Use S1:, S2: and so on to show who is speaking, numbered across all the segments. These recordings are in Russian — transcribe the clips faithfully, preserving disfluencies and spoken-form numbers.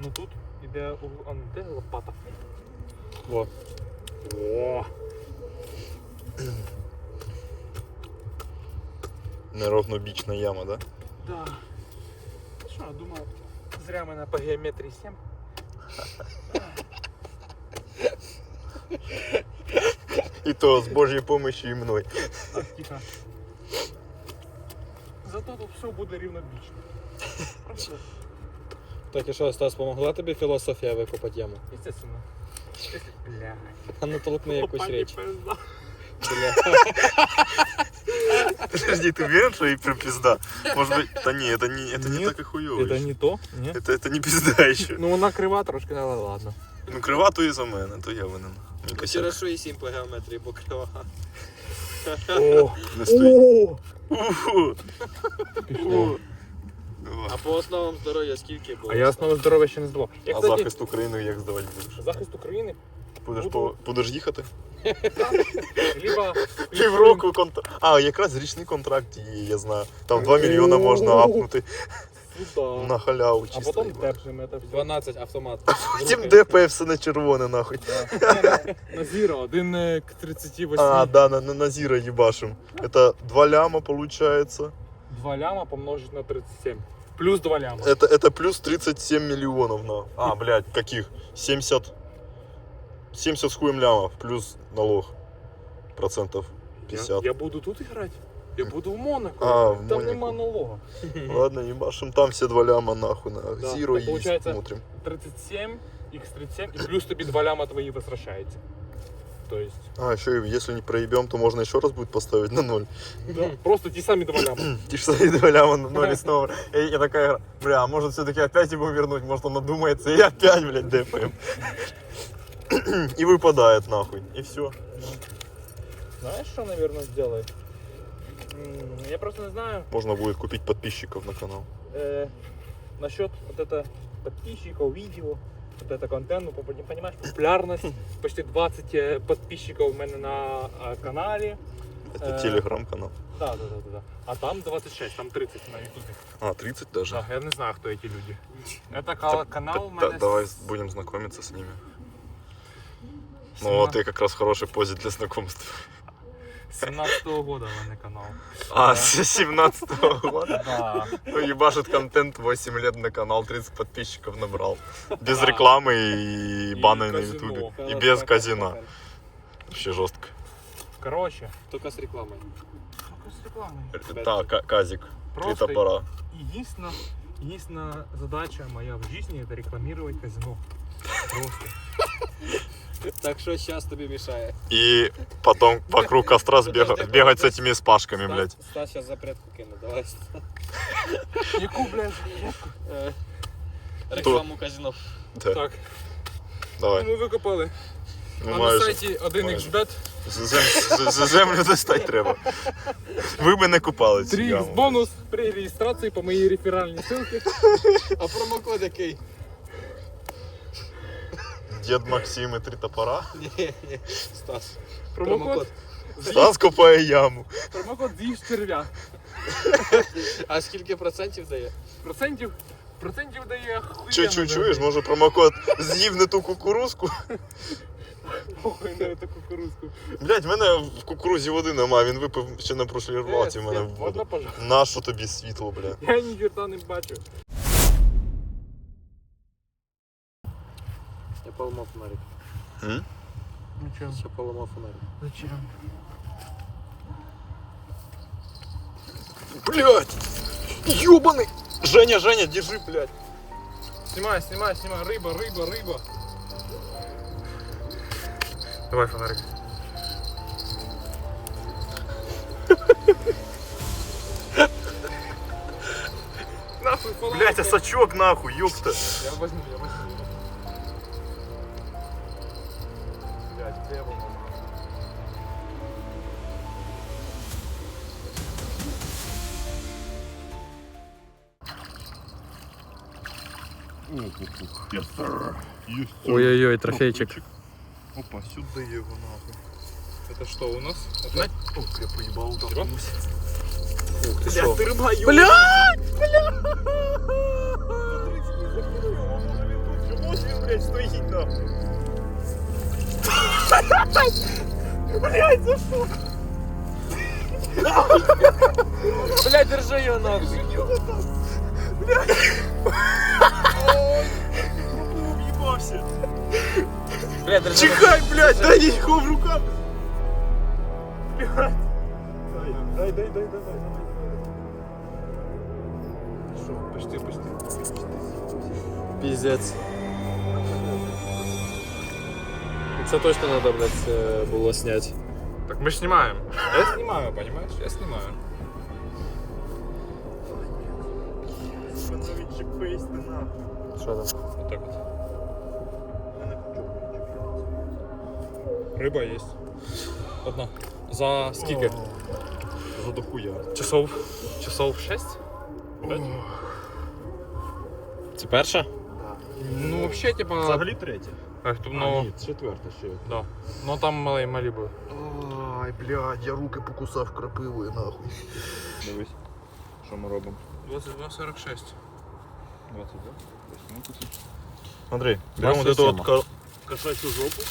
S1: Ну тут іде, а де лопата? Во. О.
S2: Неровнобічна яма, да?
S1: Да. Що, думав, зря мене по геометрії сім.
S2: І то з Божьою помощью і мною.
S1: Так, тихо. Зато тут все буде рівнобічно. Просто.
S3: Так і що, Стас, помогла тобі філософія викопати яму?
S1: Естественно. Бля.
S3: А ну толкни якусь річ. Бля.
S2: Подожди, ты уверен, что и прям пизда? Может быть, да не, это не, это не
S1: Нет,
S2: так и хуёво.
S1: Это не то? Ні?
S2: Это, это не пизда еще.
S1: Ну вона крива трошки, але ладно.
S2: Ну крива то і за мене, то я винен. Не косяк.
S3: Хорошо і сім по геометрії, бо крива.
S1: О!
S2: Не стой.
S1: О!
S2: Уху.
S1: Пішло.
S3: А по основам здоров'я скільки було?
S1: А я основу здоров'я ще не здавав. Я,
S2: А
S1: кстати,
S2: захист України як здавати будеш?
S1: захист України.
S2: Будеш,
S1: Буду.
S2: по, будеш їхати?
S1: Либо...
S2: Півроку контракт. А, якраз річний контракт є, я знаю. Там два мільйона можна апнути
S1: Сюда.
S2: на халяву
S1: А
S2: чисто.
S1: потом
S2: їбать.
S1: держим это все.
S3: дванадцять автомат.
S2: Потім ДП все на червоне нахуй.
S1: На зіро, один е, к тридцати восьми.
S2: А, да, на, на, на зіро їбашим. Это два ляма получается.
S1: два ляма помножить на тридцать семь. Плюс два ляма.
S2: Это, это плюс тридцать семь миллионов на. А, блядь, каких? семьдесят. семьдесят с хуем лямов, плюс налог. Процентов
S1: Я,
S2: пятьдесят.
S1: я буду тут играть. Я буду в Монако.
S2: А, в
S1: Там
S2: Монако.
S1: нема налога.
S2: Ладно, ебашим там все два ляма нахуй на
S1: Да,
S2: зиро
S1: так
S2: и
S1: получается-
S2: смотрим.
S1: тридцать семь, икс тридцать семь, и плюс тобі два ляма твои возвращается. То есть,
S2: А, еще и если не проебем, то можно еще раз будет поставить на ноль.
S1: да, просто те сами два ляма.
S2: Ты ж стоит два ляма на ноль и снова. И я такая игра, бля, а может все-таки опять его вернуть, может он надумается, и опять, блядь, ДПМ. И выпадает нахуй, и все.
S1: Знаешь, что, наверное, сделает? М, Я просто не знаю.
S2: Можно будет купить подписчиков на канал.
S1: Э, насчет вот это подписчиков, видео, вот это контент, ну, поп- понимаешь, популярность. Почти двадцать э, подписчиков у меня на э, канале.
S2: Это
S1: Э,
S2: телеграм-канал.
S1: Да, да, да, да, да. А там двадцать шесть, там тридцать на ютубе.
S2: А, тридцать даже?
S1: Да, я не знаю, кто эти люди. Это кала- канал у
S2: Да,
S1: меня
S2: давай
S1: с
S2: будем знакомиться с ними. Ну вот ты как раз в хорошей позе для знакомства.
S1: семнадцатого года у меня канал.
S2: А, с семнадцатого года?
S1: Да.
S2: Ну, ебашит контент, восемь лет на канал, тридцать подписчиков набрал. Без
S1: Да.
S2: рекламы и
S1: И
S2: баны на
S1: казино.
S2: ютубе. И без казино. Вообще жестко.
S1: Короче,
S3: Тільки з рекламою.
S1: только с рекламой.
S2: Да, ка- казик. Три
S1: Просто
S2: топора.
S1: единственная, единственная задача моя в жизни — это рекламировать казино. Просто.
S3: Так що зараз тобі мішає?
S2: И потом вокруг костра сбега- бегать с этими спашками, блядь.
S3: Стас зараз запретку кину, давай.
S1: Яку, блядь,
S3: Е, Рекламу казино.
S2: Да,
S1: Так,
S2: давай.
S1: ми викопали.
S2: Ну,
S1: А на
S2: майже.
S1: сайті один ікс бет
S2: З- зем- з- з- Землю достать треба. Ви би не купали цю
S1: три ікс
S2: яму.
S1: бонус при реєстрації по моїй реферальній ссылці.
S3: А промокод який?
S2: Дед Максим и три топора.
S3: Ні, ні, Стас.
S1: Промокод.
S2: Стас копає яму.
S1: Промокод з'їж черв'я.
S3: А скільки процентів дає?
S1: Процентів, процентів дає
S2: Чу, чу, чуєш, може промокод з'їв не ту кукурузку?
S1: Похуй на эту кукурузку.
S2: Блять, в мене в кукурузі води нема, він випив ще на прошлій році в мене в
S1: Можна,
S2: воду.
S1: пожалуйста?
S2: Нащо тобі світло, бля?
S1: Я ні черта не бачу.
S3: Я поламав фонарик.
S2: М?
S1: Зачем?
S3: Я поламав фонарик.
S1: Зачем?
S2: Блять! Ёбаный! Женя, Женя, держи, блять!
S1: Снимай, снимай, снимай. Рыба, рыба, рыба. Давай фонарик. Нахуй фонарик.
S2: Блять, а сачок нахуй, ёпта!
S1: Я возьму, я возьму. Блять, где я возьму?
S2: Yes, sir. Yes, sir.
S3: Ой-ой-ой, трофейчик.
S2: Опа, сюда его нахуй.
S1: Это что у нас?
S2: Ох, я поебал, да.
S1: Чего?
S3: Ух ти
S2: Блять,
S3: що?
S2: ты рыба,
S3: Бля!
S2: блядь, стоїть нахуй. Блядь, за що?
S3: Блядь, держи його нахуй.
S2: Блядь. Уїбався.
S3: Блядь, держи.
S2: Чекай, блядь, дай їхо в руках. Блядь. Дай, дай, дай, дай, дай, дай. Що, почти, почти.
S3: Піздець. Це точно треба, блядь, було зняти.
S1: Так мы ж снимаем. Я снимаю, понимаешь? Я снимаю.
S2: Воно відчепись ти нахуй.
S3: Що там?
S1: Вот так вот.
S2: Мене кучок відчепляється.
S1: Рыба есть. Одна. За скільки?
S2: За дохуя.
S1: Часов. Часов шесть? Пять?
S3: Це перша?
S1: Ну вообще типа.
S2: Взагалі третє.
S1: Ах, тут, ну,
S2: четверте ще.
S1: да. Ну там малі малі були.
S2: Ай, блядь, я руки покусав крапивою нахуй. Дивись, що ми робимо.
S1: двадцать два сорок шесть.
S2: двадцять два? Андрей, берем вот
S3: двадцать
S2: эту
S3: семь.
S2: вот ко- кошачью жопу.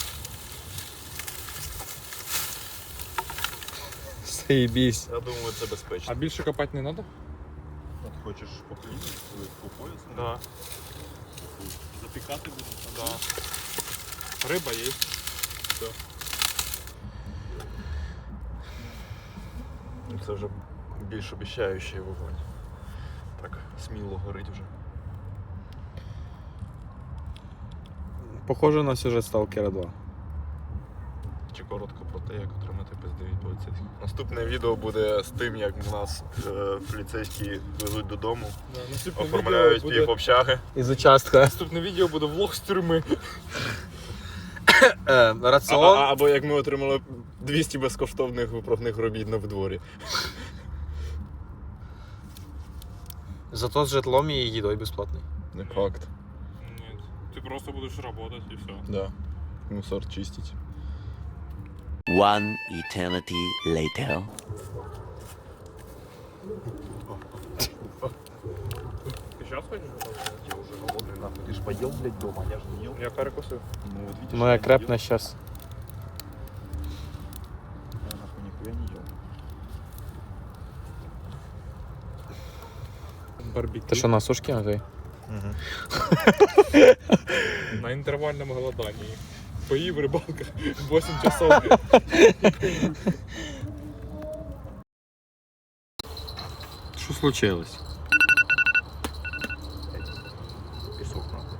S3: Заебись.
S2: Я думаю, це безпечно.
S1: А більше копати не треба?
S2: От хочеш по хлібу, по пояс?
S1: Да.
S2: Запікати будемо?
S1: Да. Риба є.
S2: Це вже більш обіцяючий вогонь. Так, сміло горить вже.
S3: Похоже на сюжет Сталкера два.
S2: Чи коротко про те, як отримати пизди від поліцейських. Наступне відео буде з тим, як нас е, поліцейські везуть додому,
S1: Да, наступне
S2: оформляють
S1: відео
S2: пів
S1: буде...
S2: общаги.
S3: Із участка.
S1: Наступне відео буде влог з тюрми.
S3: Е,
S2: А,
S3: раціон.
S2: а, або як ми отримали двісті безкоштовних виправних робіт на дворі.
S3: Зато з житлом і їдою безплатний.
S2: Не факт.
S1: Нет. Ты просто будешь работать и все.
S2: Да. Мусор чистить.
S4: One eternity later.
S1: Ты сейчас хочешь?
S2: Я уже голодный нахуй. Ты ж поел, блядь, дома, я ж не ел.
S1: Я перекусив.
S2: Ну вот видишь,
S3: Моя
S2: я не
S3: крепна
S2: ел.
S3: щас.
S2: Я нахуй нихуя не ел.
S1: Барбекю.
S3: Ти що, на сушки Андрій?
S2: Угу.
S1: На інтервальному голоданні. Поїв рибалка восемь часов.
S3: Що случилось?
S2: Песок нахуй.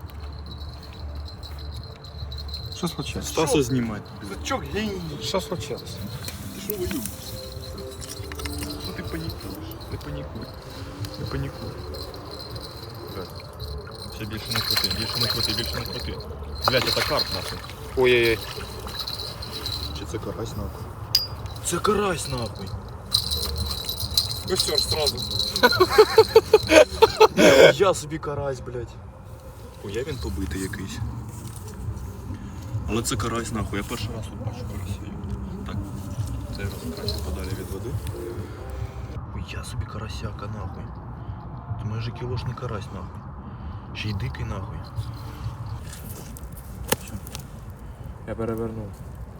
S3: Що случилось?
S2: Стаса снимать.
S1: Сачок геній.
S3: Що случилось?
S2: Ты что воюешь? Что ты паникуешь? Не паникуй. Не паникуй. Блядь. Все більше не крути, більше не крути, більше не крути. Блядь, это карп нахуй.
S3: Ой-ой-ой.
S2: Чи це карась нахуй? Це карась нахуй.
S1: Костер сразу.
S2: Я собі карась, блядь. Хуя він побитий якийсь. Але це карась нахуй, я перший раз тут бачу карасів. Так, цей раз краще подалі від води. Хуя собі карасяка нахуй. Це майже кілошний карась нахуй. Ще й дикий нахуй.
S1: Я перевернув.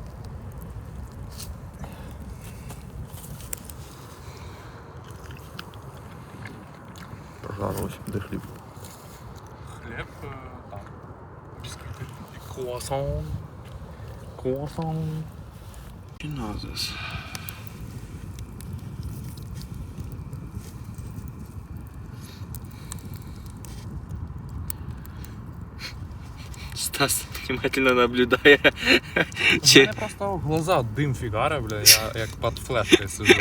S2: Прожарилось, де хліб?
S1: Хлеб е, там. Бісквіти. І круасан. Круасан.
S2: Піназис.
S3: Стас внимательно наблюдає.
S1: У мене просто в глаза дим фігаре, бля, я як під флешкою сижу.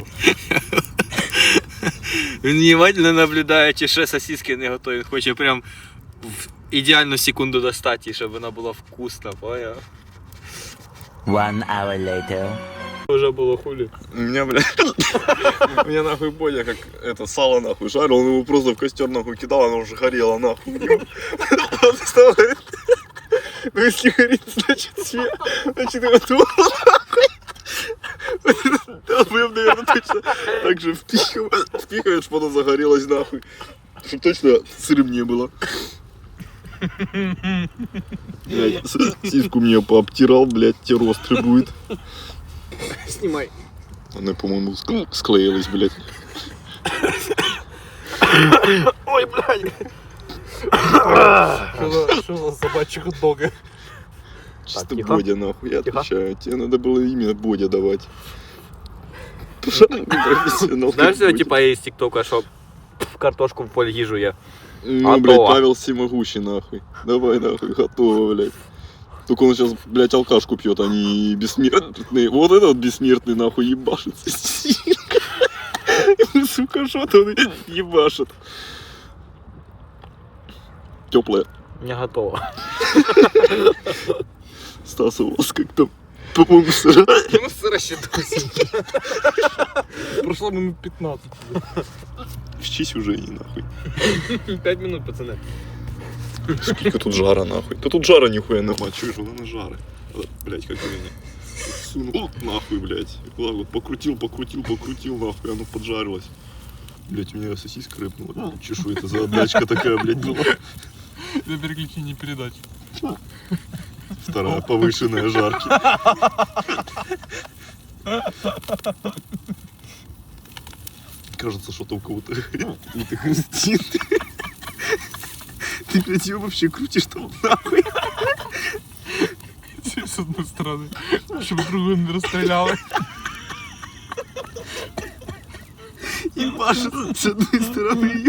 S3: Він внимательно наблюдає, чи ще сосиски не готові. Він хоче прям в ідеальну секунду достати, щоб вона була вкусна, поняв?
S4: One hour later.
S3: Уже було хулі.
S2: У меня, бля, у меня нахуй Бодя как это сало нахуй жарил, он его просто в костер нахуй кидал, оно уже горело нахуй. Он встал, говорит, ну если горит, значит свет, значит готово нахуй. Долбоёб, наверное, точно так же впихиваешь, впихиваешь, потом загорелось нахуй. Чтоб точно сырым не было. Блядь, сиську мне пообтирал, блядь, тебе острый будет.
S3: Снимай.
S2: Они, по-моему, ск- склеились, блядь.
S3: Ой, блядь.
S1: Что за собачьи хот-дога?
S2: Чисто
S3: тихо.
S2: Бодя, нахуй, я
S3: Тихо.
S2: отвечаю. Тебе надо было именно Бодя давать. Профессионал.
S3: Знаешь,
S2: ты,
S3: что
S2: Бодя.
S3: типа есть тиктока, что картошку в поле їжу я.
S2: Ну,
S3: Готово.
S2: блядь, Павел Всемогущий, нахуй. Давай, нахуй, готово, блядь. Только он сейчас, блядь, алкашку пьет, а не бессмертный. Вот этот вот бессмертный, нахуй, ебашится. Сука, что-то он ебашит. Теплая.
S3: Не готово.
S2: Стас, у вас как там, по-моему, сыра.
S1: Ну, сыра считался. Прошло минут пятнадцать.
S2: Вчись уже, не нахуй.
S3: Пять минут, пацаны.
S2: Сколько тут жара, нахуй. Да тут жара нихуя нема, чуешь, вон она жара. Вот, блядь, как меня. Сунул нахуй, блядь. Вот, вот покрутил, покрутил, покрутил, нахуй, оно поджарилось. Блядь, у меня сосиска рыпнула. Че, что это за отдачка такая, блядь, была?
S1: За переключение передач.
S2: Вторая повышенная жарки. Кажется, что-то у кого-то какие-то хрустит. Ты, блядь, ее вообще крутишь там нахуй.
S1: С одной стороны. Чтобы другую не расстреляли.
S2: Ебашит с одной стороны ее.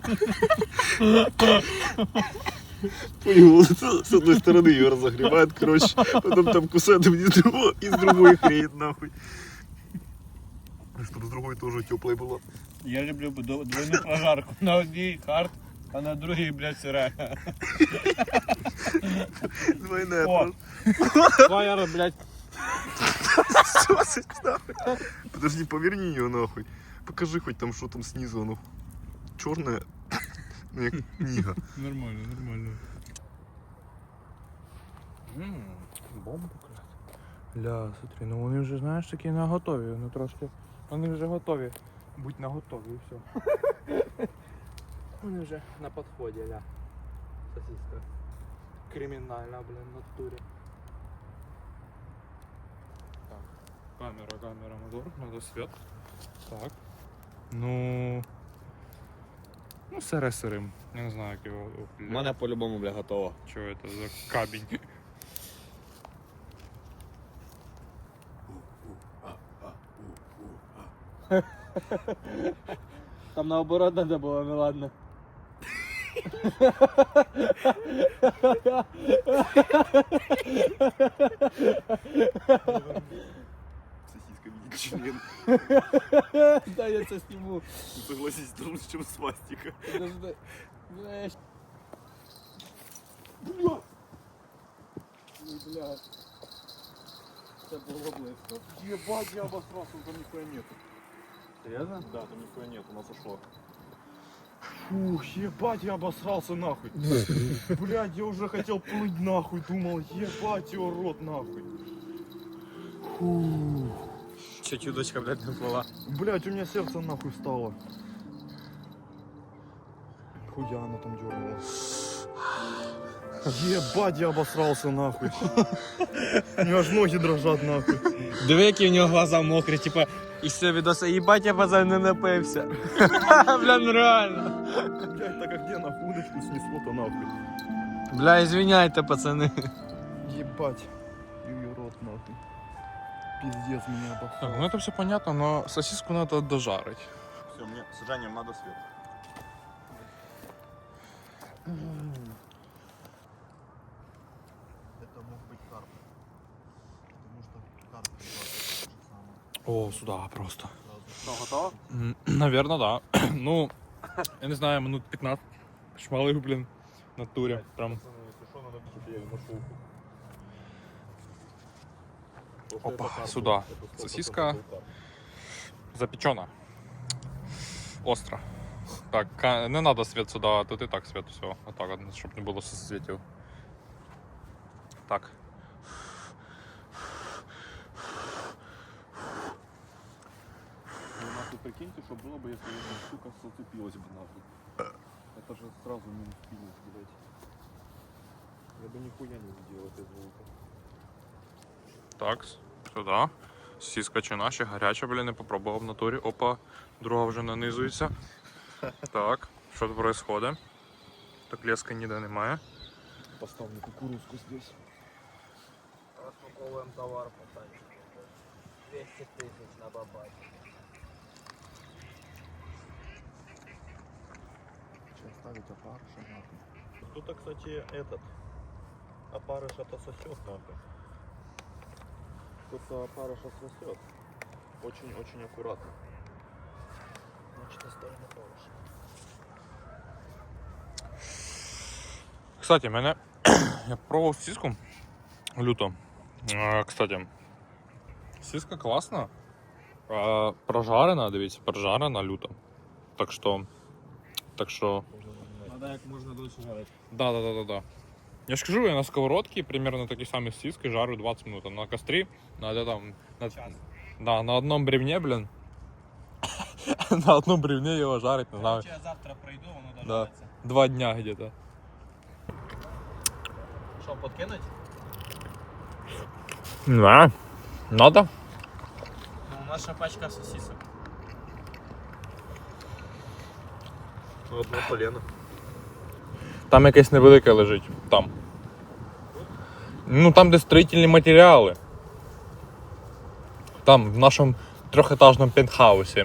S2: Понял, вот это с одной стороны ее разогревает, короче, потом там кусает из другой, из другой хрень, нахуй. Чтобы с другой тоже теплой было.
S5: Я люблю двойную прожарку. На одній хард, а на другій, блядь, сира.
S2: Двойная
S5: О.
S2: просто.
S5: Фаєр, блядь.
S2: Сосать, нахуй. Подожди, поверни ее нахуй. Покажи хоть там, что там снизу, оно черное, ну як книга.
S1: Нормально, нормально. Ммм, бомба якраз. Ля, смотри, ну вони вже, знаєш, такі на готові, ну трошки. Вони вже готові. Будь на готові і все. Вони вже на підході, ля. Сосиска. Кримінальна, блин, в натурі. Так, камера, камера, мотор, надо свет. Так. Ну... Ну, сире сирим. Я не знаю, як його...
S3: У мене по-любому, бля, готово.
S1: Что это за камень?
S5: Там наоборот надо було, ну ладно.
S2: Сосиска велик член.
S5: Да, я це сниму.
S2: Согласись, лучше, чем свастика.
S5: Подожди. Блядь. Ой, блядь. Це було близько.
S2: Ебать, я обосрался, там нихуя нету.
S5: Серйозно?
S2: Да, там нихуя нет, у нас ушло. Фух, ебать, я обосрался нахуй. Блядь, я уже хотел плыть нахуй, думал, ебать его рот нахуй.
S3: Чуть удочка, блядь, не плыла.
S2: Блядь, у меня сердце нахуй стало. Хуя она там дернула. Ебать, я обосрался нахуй. У меня аж ноги дрожат нахуй.
S3: Диви, які в нього глаза мокрі, типа, із цього відоса, їбать, я базар не напився. Бля, ну реально.
S2: Блядь, так а где нахуй удочку снесло-то нахуй?
S3: Бля, извиняйте, пацани.
S2: Ебать. Ее рот нахуй. Пиздец, меня
S1: Так,
S2: обосрал.
S1: ну это все понятно, но сосиску надо дожарить.
S2: Все, мне с Жанем надо свет. Это мог быть карп. Потому что карп то же самое.
S1: О, сюда просто.
S3: Що, готово?
S1: Наверное, да. Ну, я не знаю, минут пятнадцать. Шмалых, блин, в натуре. Прям.
S2: Если что, надо чтобы я нашел.
S1: Опа, сюда. Сосиска запечена. Остро. Так, ка- не надо свет сюда, тут и так свет, все. Вот так, вот, чтобы не было соцветил. Так.
S2: Ну нахуй прикиньте, что было бы, если эта штука зацепилась бы нахуй. Это же сразу минус минус, блядь. Я бы нихуя не сделал без звука.
S1: Так, сюди. Сіска чи наші, гаряча, блін, не попробував в натурі. Опа, друга вже нанизується. Так, що тут відбувається? Так леска ніде немає.
S2: Поставлю кукурузку здесь.
S3: Распаковуємо товар по тачці. двісті тисяч на бабаті.
S2: Сейчас ставить опарыша нахуй. Тут, кстати, этот. Опарыш-то сосет нахуй. Тут опарыша сосет. Очень-очень аккуратно.
S3: Значить, оставимо опарыш.
S1: Кстати, мене я пробував сіску люто. Е, Кстати, сіска класна. Е, Прожарена, дивіться, прожарена люто. Так що. Так що.
S5: Надо як можна дольше жарити.
S1: Да, да, да, да, да. Я ж кажу, я на сковородке примерно такі самі сіски жарю двадцять минут. А на кострі, на, де там, на, да, на одном бревне, блин. На одном бревне його жарить, не знаю.
S5: Я завтра прийду, воно
S1: Да.
S5: дожариться.
S1: Два дня где-то.
S3: Що, подкинуть?
S1: Да. Надо?
S5: Ну, наша пачка сосисок.
S2: Одно полено.
S1: Там якесь невелике лежить. Там. Ну там, де строїтельні матеріали. Там, в нашому трьохетажному пентхаусі.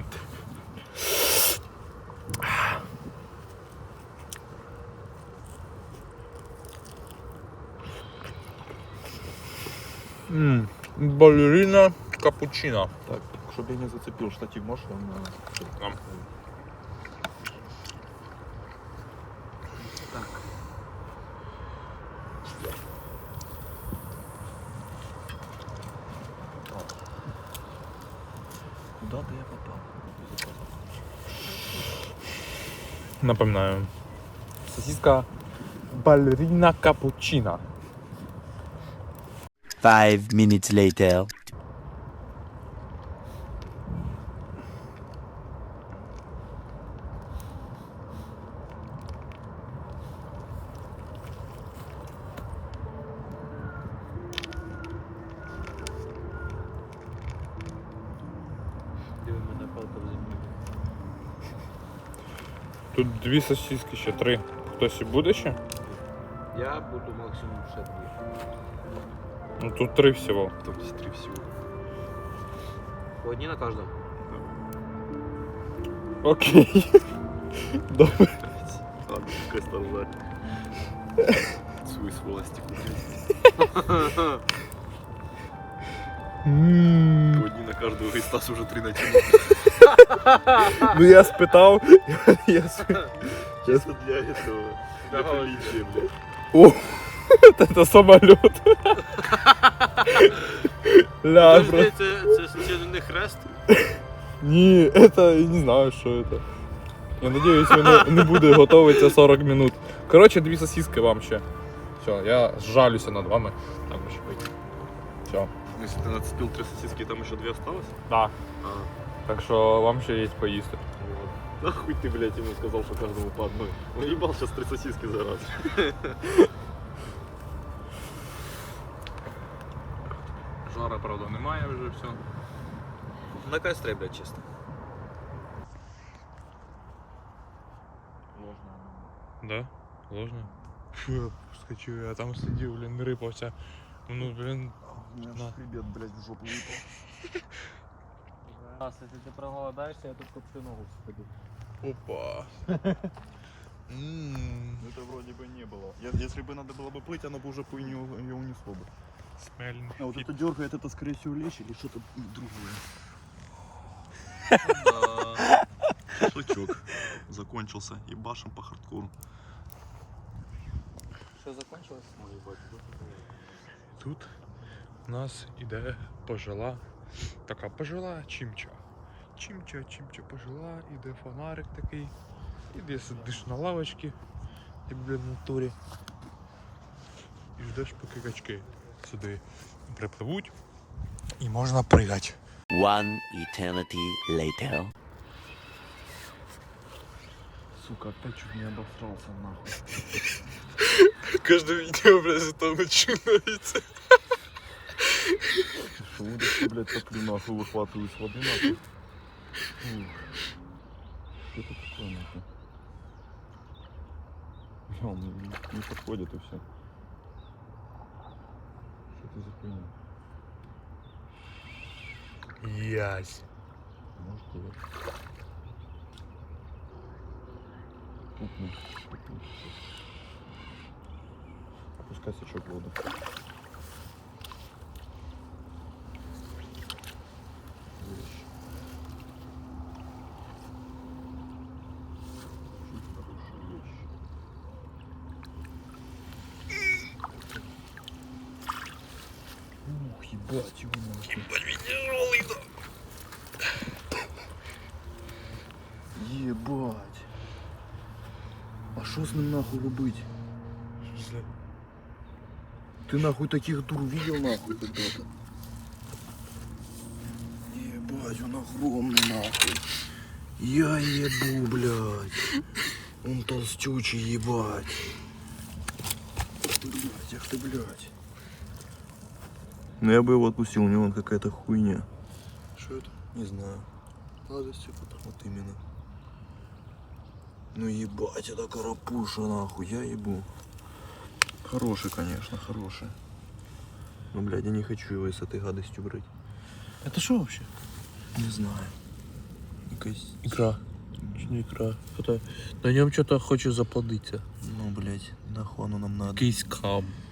S1: Ммм, балерина капучино.
S2: Так, чтобы я не зацепил штатив, можешь он...
S1: Там.
S2: Куда-то я попал.
S1: Напоминаю. Сосиска балерина капучино.
S4: Five minutes later.
S3: Диви, мене палка в землі.
S1: Тут дві сосиски ще, три. Хтось і буде ще?
S3: Я буду максимум ще дві.
S1: Ну тут три всього.
S2: Там здесь три всего.
S3: По одній на кожного?
S1: Окей. Добре.
S2: Ладно, пускай стал свой сволости Одни на каждого, и Стас уже три натянул.
S1: Ну я спитав. Я
S2: Чисто для этого. Для приличия, блядь.
S1: О, это самолет. Ля, бро.
S3: Подожди, це, це случайно не хрест?
S1: Ні, это я не знаю, що это. Я надіюсь, воно не буде готовиться сорок минут. Коротше, дві сосиски вам ще. Все, я жалюся над вами. Так, ще вийти. Все.
S2: Если ты нацепил три сосиски, там еще две осталось?
S1: Да.
S2: А,
S1: Так що вам ще є поїсти.
S2: вот. Нахуй ты, блядь, ему сказал, что каждому по одной. Он ебал сейчас три сосиски за раз.
S1: Жара, правда, немає вже все.
S3: На кострі, блядь, чисто.
S1: Да? Ложно? Фу, я скочив, я там сидів, блін, рипався. Ну, блін,
S2: У меня
S1: На.
S2: аж хребет, блядь, в жопу выпал.
S5: Раз, якщо ти проголодаєшся, я тут коптю ногу сходу.
S1: опа. Ммм,
S2: Ну, это вроде бы не было. Я- Если бы надо было бы плыть, оно бы уже хуйню ее унесло бы.
S1: смельний.
S2: А вот это дергает, это скорее всего лещ или что-то другое. Шашлычок закончился. Ебашим по хардкору.
S3: Що закончилось?
S1: Тут у нас іде пожила, така пожила чимча. Чимча, чимча пожила, іде фонарик такий. Іде сидиш на лавочці, як блін в натурі. І ждеш, поки качки сюди припливуть і можна пригати.
S4: One eternity later.
S2: Сука, опять чуть не обосрался нахуй.
S3: Каждое видео, блядь, зато начинается.
S2: Что удочки, блядь, топлю нахуй, выхватываю с воды нахуй. Ух. Что это такое нахуй? Бля, он не, не подходит и все. Что это за хуйня?
S3: Ясь.
S2: Может, и это. Пукну, пукну. Опускай сачок в воду. Вещь. Очень хорошая вещь. Ух, ебать его нахуй. Ебать. А что с ним нахуй робить? Ты нахуй таких дур видел нахуй когда-то? Ебать, он огромный нахуй. Я ебу, блядь. Он толстючий, ебать. Блядь, ах ты, блядь. Ну я бы его отпустил, у него вон какая-то хуйня. Что это? Не знаю. Гадость какая-то. Вот именно. Ну ебать, это карапуша нахуй, я ебу. Хороший, конечно, хороший. Ну, блядь, я не хочу его с этой гадостью брать.
S5: Это что вообще?
S2: Не знаю. Якась...
S5: Икра. Не икра. Это... На нем что-то хочет заплодиться.
S2: Ну, блядь, нахуй оно нам надо.
S5: Кейс кам.